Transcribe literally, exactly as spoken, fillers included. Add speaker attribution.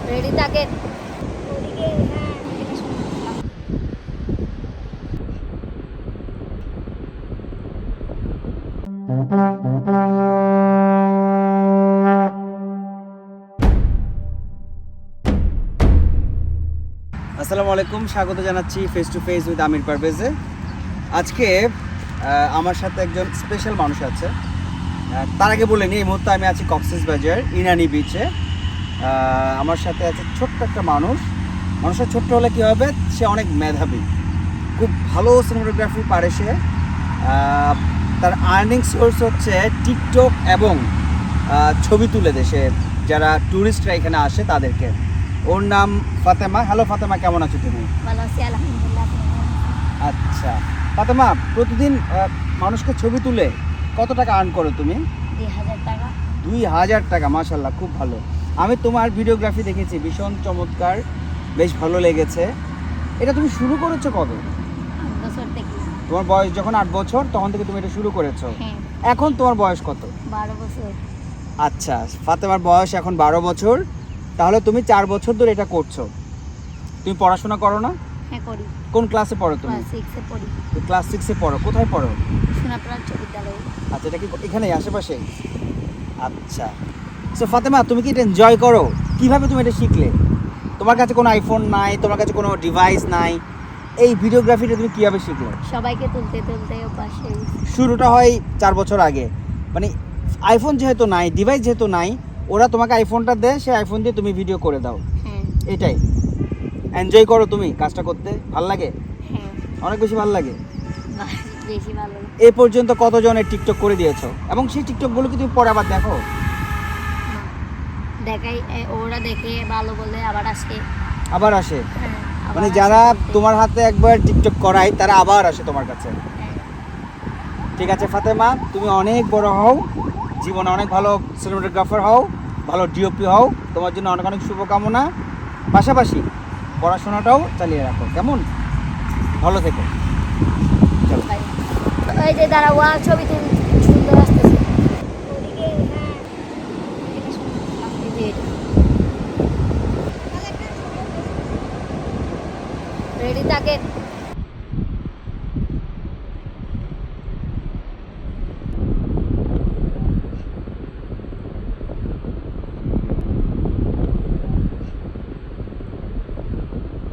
Speaker 1: Ready থাকেন। ওদিকে হ্যাঁ এটা শুনলাম।
Speaker 2: আসসালামু আলাইকুম, স্বাগত জানাচ্ছি face to face with Amir পারভেজে। আজকে আহ, আমার সাথে একজন স্পেশাল মানুষ আছে। আহ, তার আগে বলে নিই, এই মুহূর্তে আমি আছি কক্সবাজার ইনানি বিচে। আহ, আমার সাথে আছে ছোট্ট একটা মানুষ। মানুষের ছোট্ট হলে কী হবে, সে অনেক মেধাবী, খুব ভালো সিনেমাটোগ্রাফি পারে সে। আহ, তার আর্নিং সোর্স হচ্ছে টিকটক এবং আহ, ছবি তুলে দেশে যারা ট্যুরিস্টরা এখানে আসে তাদেরকে। ওর নাম ফাতেমা। হ্যালো ফাতেমা, কেমন আছো তুমি?
Speaker 1: ভালো আছি আলহামদুলিল্লাহ। আপনি কেমন আছেন?
Speaker 2: আচ্ছা ফাতেমা, প্রতিদিন আহ, মানুষকে ছবি তুলে কত টাকা আর্ন করো তুমি?
Speaker 1: দুই হাজার টাকা।
Speaker 2: দুই হাজার টাকা, মাশাল্লাহ, খুব ভালো। আমি তোমার ভিডিওগ্রাফি দেখেছি, ভীষণ চমৎকার, বেশ ভালো লেগেছে। এটা তুমি শুরু করেছো কবে?
Speaker 1: আট বছর থেকে।
Speaker 2: তোমার বয়স যখন আট বছর তখন থেকে তুমি এটা শুরু করেছো।
Speaker 1: হ্যাঁ,
Speaker 2: এখন তোমার বয়স কত?
Speaker 1: বারো বছর।
Speaker 2: আচ্ছা, ফাতেমার বয়স এখন বারো বছর। তাহলে তুমি চার বছর ধরে এটা করছো। তুমি পড়াশোনা করো না?
Speaker 1: হ্যাঁ করি।
Speaker 2: কোন ক্লাসে পড়ো তুমি?
Speaker 1: ক্লাস সিক্সে পড়ি।
Speaker 2: ক্লাস সিক্সে পড়ো। কোথায় পড়ো?
Speaker 1: সোনাপুরা উচ্চ বিদ্যালয়ে।
Speaker 2: আচ্ছা, এটা কি এখানেই আশেপাশে? আচ্ছা, সো ফাতেমা, তুমি কি এটা এনজয় করো? কিভাবে তুমি এটা শিখলে? তোমার কাছে কোনো আইফোন নাই, তোমার কাছে কোনো ডিভাইস নাই, এই ভিডিওগ্রাফিটা তুমি কিভাবে শিখলে?
Speaker 1: সবাইকে তুলতে তুলতে অভ্যাস হয়ে গেছে।
Speaker 2: শুরুটা হয় চার বছর আগে, মানে আইফোন যেহেতু নাই, ডিভাইস যেহেতু নাই, ওরা তোমাকে আইফোনটা দেয়, সেই আইফোন দিয়ে তুমি ভিডিও করে দাও।
Speaker 1: হ্যাঁ
Speaker 2: এটাই এনজয় করো তুমি কাজটা করতে? ভাল লাগে?
Speaker 1: হ্যাঁ,
Speaker 2: অনেক বেশি ভাল লাগে।
Speaker 1: বাহ, বেশি ভালো।
Speaker 2: এ পর্যন্ত কতজনের টিকটক করে দিয়েছো এবং সেই টিকটকগুলো কি তুমি পরে আবার দেখো?
Speaker 1: না, দেখাই এ, ওরা দেখে ভালো বলে আবার আসে।
Speaker 2: আবার আসে?
Speaker 1: হ্যাঁ, আবার
Speaker 2: মানে
Speaker 1: আসে
Speaker 2: যারা
Speaker 1: বলতে।
Speaker 2: তোমার হাতে একবার টিকটক করায় তারা আবার আসে তোমার কাছে।
Speaker 1: হ্যাঁ,
Speaker 2: ঠিক আছে ফাতেমা, তুমি অনেক বড় হও, জীবনে অনেক ভালো সিনেমাটোগ্রাফার হও, ভালো ডিওপি হও, তোমার জন্য অনেক অনেক শুভকামনা। পাশাপাশি পড়াশোনাটাও চালিয়ে রাখো, কেমন? ভালো থেকো। চলো।
Speaker 1: বাই। ওই যে দাঁড়া, ওয়া ছবি তুলছে।